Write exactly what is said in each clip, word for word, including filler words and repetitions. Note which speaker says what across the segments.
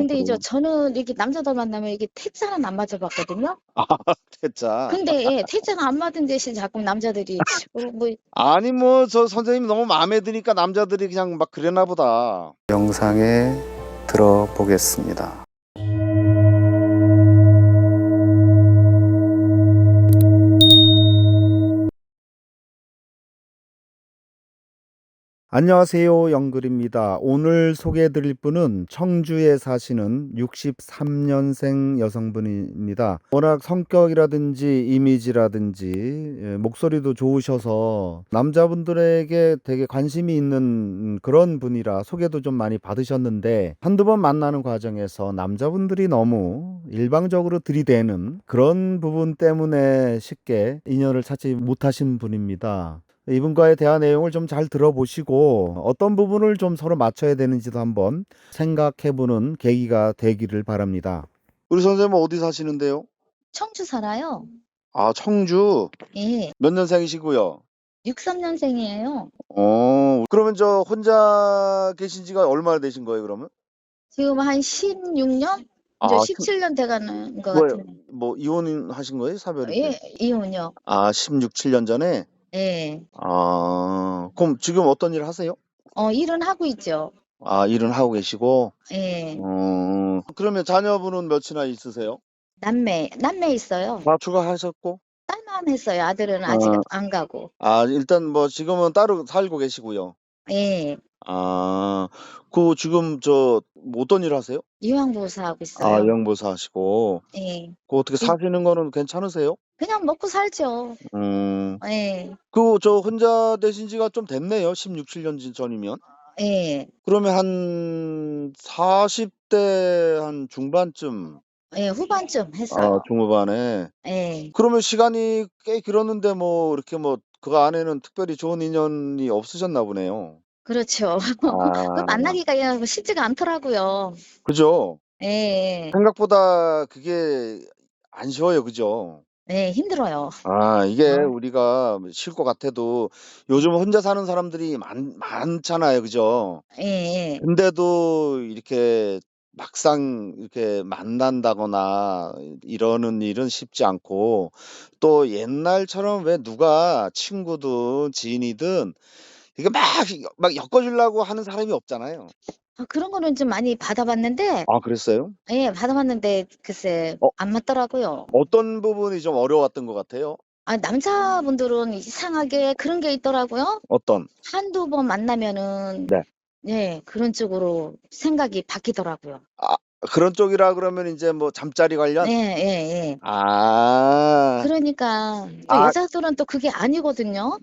Speaker 1: 근데 이제
Speaker 2: 그래요?
Speaker 1: 저는 이렇게 남자들 만나면 이게 퇴짜는 안 맞아 봤거든요.
Speaker 2: 아 퇴짜.
Speaker 1: 근데 예 퇴짜는 안 맞은 대신 자꾸 남자들이 어 뭐
Speaker 2: 아니 뭐 저 선생님이 너무 마음에 드니까 남자들이 그냥 막 그랬나 보다.
Speaker 3: 영상에 들어보겠습니다. 안녕하세요, 영글입니다. 오늘 소개해드릴 분은 청주에 사시는 육십삼 년생 여성분입니다. 워낙 성격이라든지 이미지라든지 예, 목소리도 좋으셔서 남자분들에게 되게 관심이 있는 그런 분이라 소개도 좀 많이 받으셨는데, 한두 번 만나는 과정에서 남자분들이 너무 일방적으로 들이대는 그런 부분 때문에 쉽게 인연을 찾지 못하신 분입니다. 이분과의 대화 내용을 좀 잘 들어보시고 어떤 부분을 좀 서로 맞춰야 되는지도 한번 생각해보는 계기가 되기를 바랍니다.
Speaker 2: 우리 선생님은 어디 사시는데요?
Speaker 1: 청주 살아요.
Speaker 2: 아 청주.
Speaker 1: 예.
Speaker 2: 몇 년생이시고요?
Speaker 1: 육삼 년생이에요.
Speaker 2: 어 그러면 저 혼자 계신 지가 얼마나 되신 거예요 그러면?
Speaker 1: 지금 한 십육 년? 이제
Speaker 2: 아 십
Speaker 1: 십칠 년 돼 가는 것
Speaker 2: 뭐예요?
Speaker 1: 같은데.
Speaker 2: 뭐 이혼하신 거예요? 사별이세요?
Speaker 1: 예. 이혼이요.
Speaker 2: 아 십육, 칠 년 전에?
Speaker 1: 예.
Speaker 2: 아 그럼 지금 어떤 일 하세요?
Speaker 1: 어 일은 하고 있죠.
Speaker 2: 아 일은 하고 계시고.
Speaker 1: 예.
Speaker 2: 어 그러면 자녀분은 몇이나 있으세요?
Speaker 1: 남매, 남매 있어요.
Speaker 2: 다 출가하셨고?
Speaker 1: 딸만 했어요. 아들은 아직
Speaker 2: 어.
Speaker 1: 안 가고.
Speaker 2: 아 일단 뭐 지금은 따로 살고 계시고요.
Speaker 1: 예.
Speaker 2: 아 그 지금 저 어떤 일 하세요?
Speaker 1: 유황보호사 하고
Speaker 2: 아
Speaker 1: 있어요.
Speaker 2: 영보사 하시고.
Speaker 1: 예.
Speaker 2: 그 어떻게
Speaker 1: 이
Speaker 2: 사시는 거는 괜찮으세요?
Speaker 1: 그냥 먹고 살죠.
Speaker 2: 음.
Speaker 1: 예.
Speaker 2: 그 저 혼자 되신 지가 좀 됐네요. 십육, 칠 년 전 전이면.
Speaker 1: 예.
Speaker 2: 그러면 한 사십 대 한 중반쯤.
Speaker 1: 예. 후반쯤
Speaker 2: 아
Speaker 1: 했어요.
Speaker 2: 중후반에.
Speaker 1: 예.
Speaker 2: 그러면 시간이 꽤 길었는데 뭐 이렇게 뭐 그 안에는 특별히 좋은 인연이 없으셨나 보네요.
Speaker 1: 그렇죠. 그
Speaker 2: 아.
Speaker 1: 만나기가 야 쉽지가 않더라고요.
Speaker 2: 그죠?
Speaker 1: 예예.
Speaker 2: 생각보다 그게 안 쉬워요. 그죠?
Speaker 1: 네. 힘들어요.
Speaker 2: 아 이게
Speaker 1: 어.
Speaker 2: 우리가 쉬울 것 같아도 요즘 혼자 사는 사람들이 많 많잖아요. 그죠?
Speaker 1: 예예.
Speaker 2: 근데도 이렇게 막상 이렇게 만난다거나 이러는 일은 쉽지 않고, 또 옛날처럼 왜 누가 친구든 지인이든 이게 막 막 엮어 주려고 하는 사람이 없잖아요.
Speaker 1: 아 그런 거는 좀 많이 받아 봤는데
Speaker 2: 아 그랬어요?
Speaker 1: 예 받아 봤는데 글쎄
Speaker 2: 어
Speaker 1: 안 맞더라고요.
Speaker 2: 어떤 부분이 좀 어려웠던 것 같아요?
Speaker 1: 아 남자분들은 이상하게 그런 게 있더라고요.
Speaker 2: 어떤?
Speaker 1: 한두 번 만나면은
Speaker 2: 네.
Speaker 1: 네 그런 쪽으로 생각이 바뀌더라고요.
Speaker 2: 아 그런 쪽이라 그러면 인제 뭐 잠자리 관련?
Speaker 1: 예예예.
Speaker 2: 아.
Speaker 1: 그러니까 또
Speaker 2: 아
Speaker 1: 여자들은 또 그게 아니거든요.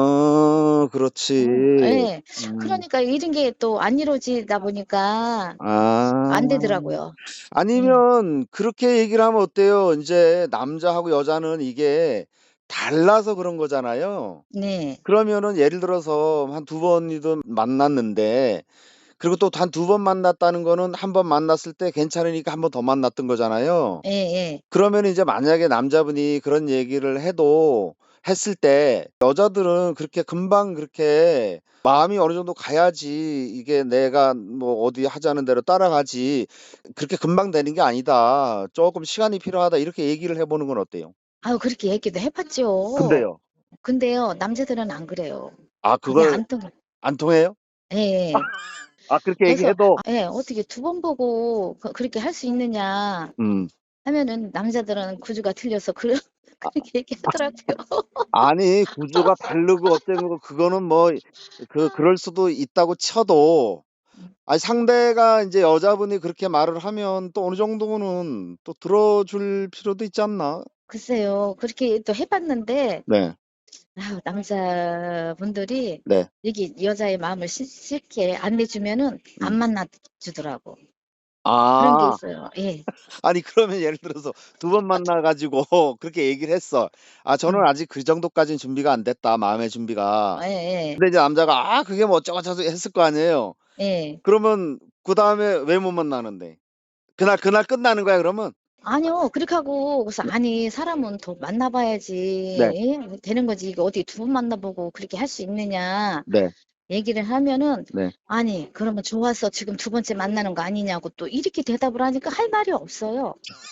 Speaker 2: 어 그렇지.
Speaker 1: 어 예.
Speaker 2: 음.
Speaker 1: 그러니까 이런 게 또 안 이루어지다 보니까
Speaker 2: 아.
Speaker 1: 안 되더라고요. 예.
Speaker 2: 아니면 그렇게 얘기를 하면 어때요? 인제 남자하고 여자는 이게 달라서 그런 거잖아요.
Speaker 1: 네.
Speaker 2: 그러면은 예를 들어서 한 두 번이든 만났는데, 그리고 또 단 두 번 만났다는 거는 한 번 만났을 때 괜찮으니까 한 번 더 만났던 거잖아요.
Speaker 1: 예예.
Speaker 2: 그러면은 이제 만약에 남자분이 그런 얘기를 해도 했을 때 여자들은 그렇게 금방 그렇게 마음이 어느 정도 가야지 이게 내가 뭐 어디 하자는 대로 따라가지, 그렇게 금방 되는 게 아니다. "쪼끔 시간이 필요하다." 이렇게 얘기를 해 보는 건 어때요?
Speaker 1: 아유 그렇게 얘기도 해 봤죠.
Speaker 2: 근데요?
Speaker 1: 근데요 남자들은 안 그래요.
Speaker 2: 아
Speaker 1: 그게
Speaker 2: 그걸
Speaker 1: 안 통해요.
Speaker 2: 안 통해요?
Speaker 1: 예예.
Speaker 2: 아 그렇게
Speaker 1: 그래서
Speaker 2: 얘기해도?
Speaker 1: 아 예 "어떻게 두 번 보고 그 그렇게 할 수 있느냐."
Speaker 2: 음.
Speaker 1: 하면은 남자들은 구조가 틀려서 그
Speaker 2: 아
Speaker 1: 그렇게 얘기하더라고요.
Speaker 2: 아니 구조가 다르고 어쩌고 그거는 뭐 그 그럴 수도 있다고 쳐도,
Speaker 1: 음.
Speaker 2: 아니 상대가 인제 여자분이 그렇게 말을 하면 또 어느 정도는 또 들어 줄 필요도 있지 않나?
Speaker 1: 글쎄요. 그렇게 또 해 봤는데
Speaker 2: 네.
Speaker 1: 아유 남자분들이
Speaker 2: 네.
Speaker 1: 여기 여자의 마음을 쉽 쉽게 안 내주면은 안
Speaker 2: 음.
Speaker 1: 만나 주더라고. 그런 게
Speaker 2: 아.
Speaker 1: 있어요. 예.
Speaker 2: 아니 그러면 예를 들어서 두 번 만나 가지고 그렇게 얘기를 했어. "아 저는
Speaker 1: 음.
Speaker 2: 아직 그 정도까지는 준비가 안 됐다, 마음의 준비가."
Speaker 1: 예예.
Speaker 2: 근데 이제 남자가 "아 그게 뭐 어쩌고 저쩌고." 했을 거 아니에요.
Speaker 1: 예.
Speaker 2: 그러면 그다음에 왜 못 만나는데? 그날 그날 끝나는 거야 그러면?
Speaker 1: 아니요. 그렇게 하고 그래서
Speaker 2: 네.
Speaker 1: "아니 사람은 더 만나 봐야지
Speaker 2: 네.
Speaker 1: 예 되는 거지. 이거 어떻게 두 번 만나 보고 그렇게 할 수 있느냐."
Speaker 2: 네.
Speaker 1: 얘기를 하면은
Speaker 2: 네.
Speaker 1: 아니 그러면 좋아서 지금 두 번째 만나는 거 아니냐고 또 이렇게 대답을 하니까 할 말이 없어요.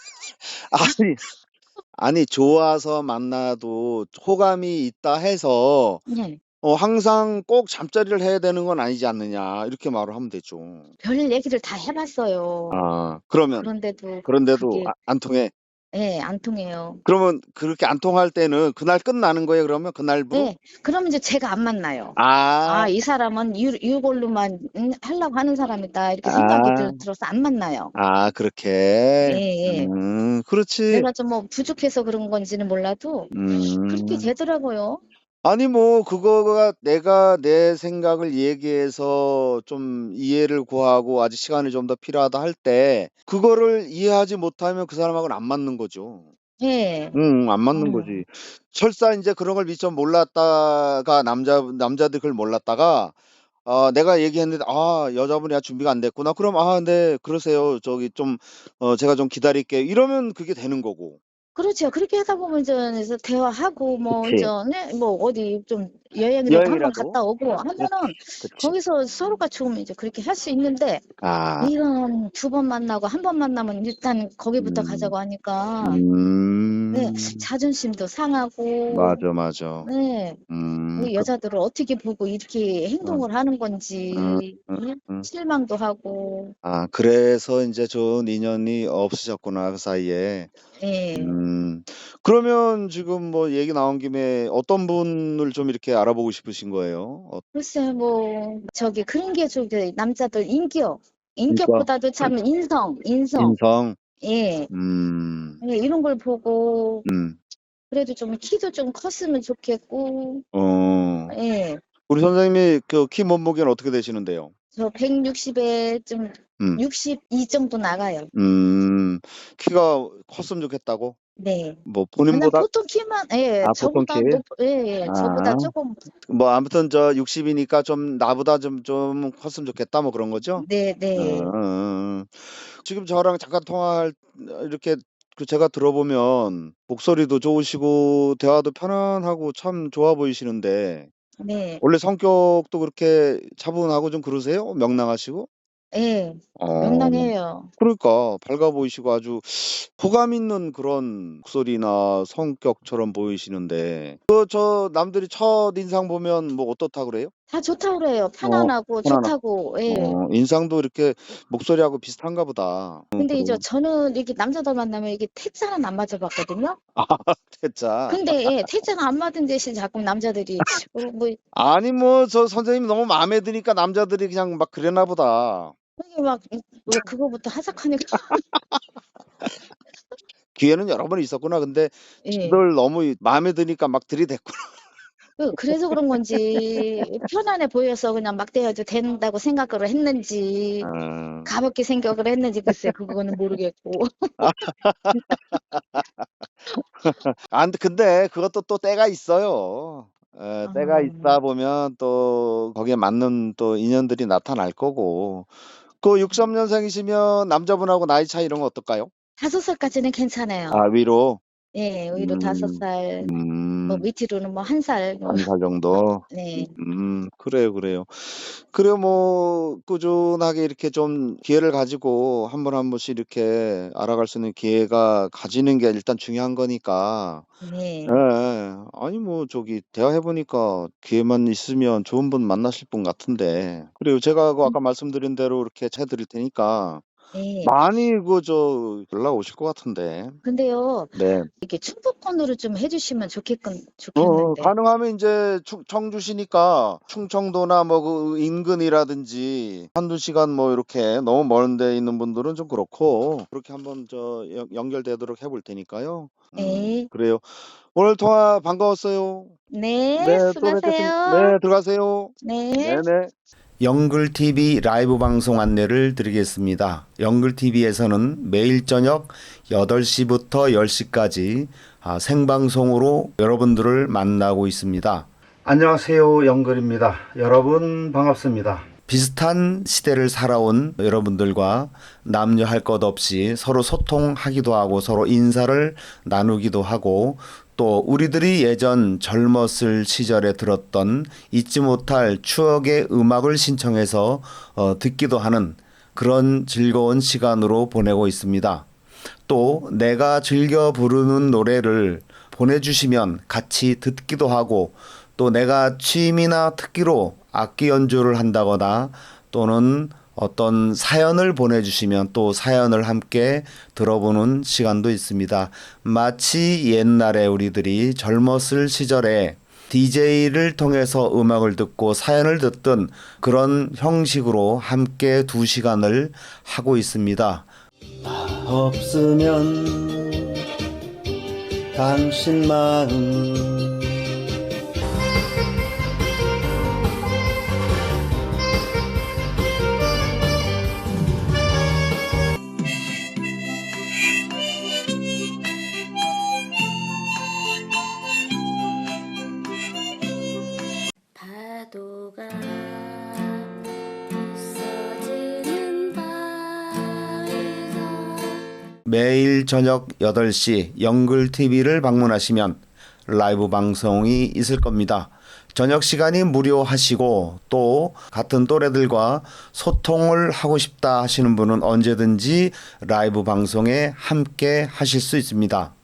Speaker 2: 아니, 아니 좋아서 만나도 호감이 있다 해서
Speaker 1: 네.
Speaker 2: 어 항상 꼭 잠자리를 해야 되는 건 아니지 않느냐 이렇게 말을 하면 되죠.
Speaker 1: 별 얘기를 다 해봤어요.
Speaker 2: 아 그러면
Speaker 1: 그런데도
Speaker 2: 그런데도
Speaker 1: 그게
Speaker 2: 아 안 통해?
Speaker 1: 예, 안 통해요.
Speaker 2: 그러면 그렇게 안 통할 때는 그날 끝나는 거예요 그러면 그날부로?
Speaker 1: 예. 그러면 이제 제가 안 만나요.
Speaker 2: 아.
Speaker 1: '아 이 사람은 이 이걸로만 음 하려고 하는 사람이다.' 이렇게 생각이
Speaker 2: 아.
Speaker 1: 들 들어서 안 만나요.
Speaker 2: 아 그렇게.
Speaker 1: 예예.
Speaker 2: 음 그렇지.
Speaker 1: 내가 좀 뭐 부족해서 그런 건지는 몰라도 그렇게
Speaker 2: 음.
Speaker 1: 되더라고요.
Speaker 2: 아니 뭐 그거가 내가 내 생각을 얘기해서 좀 이해를 구하고 아직 시간이 좀 더 필요하다 할 때 그거를 이해하지 못하면 그 사람하고는 안 맞는 거죠.
Speaker 1: 예.
Speaker 2: 음 안 맞는 거지.
Speaker 1: 음.
Speaker 2: 설사 인제 그런 걸 미처 몰랐다가 남자 남자들이 그걸 몰랐다가 어 내가 얘기했는데 '아 여자분이 아직 준비가 안 됐구나.' 그럼 '아 네 그러세요. 저기 좀 어 제가 좀 기다릴게요.' 이러면 그게 되는 거고.
Speaker 1: 그렇죠. 그렇게 하다 보면 이제 대화하고 뭐 이제
Speaker 2: 그치.
Speaker 1: 네 뭐 어디 좀 여행이라도 한번
Speaker 2: 여행이라도.
Speaker 1: 갔다 오고 하면은
Speaker 2: 그치. 그치.
Speaker 1: 거기서 서로가 좀 이제 그렇게 할 수 있는데
Speaker 2: 아.
Speaker 1: 이런 두 번 만나고 한 번 만나면 일단 거기부터
Speaker 2: 음.
Speaker 1: 가자고 하니까 네
Speaker 2: 음.
Speaker 1: 자존심도 상하고
Speaker 2: 맞아, 맞아.
Speaker 1: 네.
Speaker 2: 음.
Speaker 1: 이
Speaker 2: 그
Speaker 1: 여자들을 어떻게 보고 이렇게
Speaker 2: 음.
Speaker 1: 행동을 하는
Speaker 2: 음
Speaker 1: 건지
Speaker 2: 음
Speaker 1: 예?
Speaker 2: 음.
Speaker 1: 실망도 하고.
Speaker 2: 아 그래서 인제 좋은 인연이 없으셨구나 그 사이에.
Speaker 1: 예.
Speaker 2: 음. 그러면 지금 뭐 얘기 나온 김에 어떤 분을 좀 이렇게 알아보고 싶으신 거예요? 어
Speaker 1: 글쎄요. 뭐 저기 그런 게 좀 그 남자들 인격,
Speaker 2: 그러니까
Speaker 1: 인격보다도 참 인성, 인성.
Speaker 2: 인성.
Speaker 1: 예.
Speaker 2: 음.
Speaker 1: 예 이런 걸 보고
Speaker 2: 음.
Speaker 1: 그래도 좀 키도 좀 컸으면 좋겠고
Speaker 2: 어.
Speaker 1: 예.
Speaker 2: 우리 선생님이 그 키 몸무게는 어떻게 되시는데요?
Speaker 1: 저 백육십 에 좀
Speaker 2: 음.
Speaker 1: 육십이 정도 나가요.
Speaker 2: 음. 키가 컸으면 좋겠다고?
Speaker 1: 네.
Speaker 2: 뭐
Speaker 1: 그냥
Speaker 2: 본인보다
Speaker 1: 보통 키만 예
Speaker 2: 아 보통 키?
Speaker 1: 저보다 높 예예. 저보다
Speaker 2: 아.
Speaker 1: 쪼금
Speaker 2: 뭐 아무튼 저 육십 이니까 좀 '나보다 좀 좀 컸으면 좋겠다.' 뭐 그런 거죠? 어
Speaker 1: 네네.
Speaker 2: 어어. 지금 저랑 잠깐 통화할 어 이렇게 그 제가 들어보면 목소리도 좋으시고 대화도 편안하고 참 좋아 보이시는데
Speaker 1: 네.
Speaker 2: 원래 성격도 그렇게 차분하고 좀 그러세요? 명랑하시고?
Speaker 1: 예.
Speaker 2: 어.
Speaker 1: 명랑해요.
Speaker 2: 그러니까 밝아 보이시고 아주 호감 있는 그런 목소리나 성격처럼 보이시는데 그 저 남들이 첫인상 보면 뭐 어떻다 그래요?
Speaker 1: 다 좋다고 그래요.
Speaker 2: 어
Speaker 1: 편안하고
Speaker 2: 편안하
Speaker 1: 좋다고. 예.
Speaker 2: 어 인상도 이렇게 목소리하고 비슷한가 보다. 어
Speaker 1: 근데 이제
Speaker 2: 그래요.
Speaker 1: 저는 이렇게 남자들 만나면 이게 태자는 안 맞아 봤거든요.
Speaker 2: 아 태자.
Speaker 1: 근데 예 태자가 안 맞은 대신 자꾸 남자들이 어 뭐
Speaker 2: 아니 뭐 저 선생님이 너무 마음에 드니까 남자들이 그냥 막 그랬나 보다.
Speaker 1: 그게 막 음 왜 그거부터 하작하니까
Speaker 2: 기회는 여러 번 있었구나. 근데
Speaker 1: 예.
Speaker 2: 늘 너무 이 마음에 드니까 막 들이댔구나.
Speaker 1: 그 그래서 그런 건지 편안해 보여서 그냥 막 대해도 된다고 생각을 했는지
Speaker 2: 아.
Speaker 1: 가볍게 생각을 했는지 글쎄 그거는 모르겠고.
Speaker 2: 아 근데 근데 그것도 또 때가 있어요. 예 때가
Speaker 1: 아.
Speaker 2: 있다 보면 또 거기에 맞는 또 인연들이 나타날 거고. 그 육삼 년생이시면 남자분하고 나이 차이 이런 거 어떨까요?
Speaker 1: 다섯 살까지는 괜찮아요.
Speaker 2: 아 위로?
Speaker 1: 예. 위로 다섯
Speaker 2: 음.
Speaker 1: 살 뭐
Speaker 2: 음.
Speaker 1: 밑으로는 뭐 한 살 뭐
Speaker 2: 한 살
Speaker 1: 막
Speaker 2: 정도?
Speaker 1: 네.
Speaker 2: 음 그래요, 그래요. 그래요 뭐 꾸준하게 이렇게 좀 기회를 가지고 한 번 한 번씩 이렇게 알아갈 수 있는 기회가 가지는 게 일단 중요한 거니까.
Speaker 1: 네.
Speaker 2: 예예. 아니 뭐 저기 대화해 보니까 기회만 있으면 좋은 분 만나실 분 같은데. 그래요. 제가 그
Speaker 1: 음.
Speaker 2: 아까 말씀드린 대로 이렇게 해 드릴 테니까
Speaker 1: 예.
Speaker 2: 많이 그 저 연락 오실 것 같은데.
Speaker 1: 근데요.
Speaker 2: 네.
Speaker 1: 이렇게 충북권으로 좀 해 주시면 좋겠건
Speaker 2: 어어
Speaker 1: 좋겠는데.
Speaker 2: 가능하면 인제 충 청주시니까 충청도나 뭐 그 인근이라든지 한두 시간 뭐 이렇게 너무 먼 데 있는 분들은 좀 그렇고 그렇게 한번 저 연 연결되도록 해 볼 테니까요. 음
Speaker 1: 예.
Speaker 2: 그래요. 오늘 통화 반가웠어요. 네
Speaker 1: 네.
Speaker 2: 또 뵙겠습
Speaker 1: 수고하세요.
Speaker 2: 네 들어가세요.
Speaker 1: 네.
Speaker 2: 네네.
Speaker 3: 영글티비 라이브 방송 안내를 드리겠습니다. 영글티비에서는 매일 저녁 여덟 시부터 열 시까지 아, 생방송으로 여러분들을 만나고 있습니다. 안녕하세요. 영글입니다. 여러분 반갑습니다. 비슷한 시대를 살아온 여러분들과 남녀 할 것 없이 서로 소통하기도 하고 서로 인사를 나누기도 하고 또 우리들이 예전 젊었을 시절에 들었던 잊지 못할 추억의 음악을 신청해서 어, 듣기도 하는 그런 즐거운 시간으로 보내고 있습니다. 또 내가 즐겨 부르는 노래를 보내주시면 같이 듣기도 하고, 또 내가 취미나 특기로 악기 연주를 한다거나 또는 어떤 사연을 보내주시면 또 사연을 함께 들어보는 시간도 있습니다. 마치 옛날에 우리들이 젊었을 시절에 디제이를 통해서 음악을 듣고 사연을 듣던 그런 형식으로 함께 두 시간을 하고 있습니다. 나 없으면 당신 마음
Speaker 4: 파도가 부서지는 바에서
Speaker 3: 매일 저녁 여덟 시 영글티비를 방문하시면 라이브 방송이 있을 겁니다. 저녁 시간이 무료하시고 또 같은 또래들과 소통을 하고 싶다 하시는 분은 언제든지 라이브 방송에 함께 하실 수 있습니다.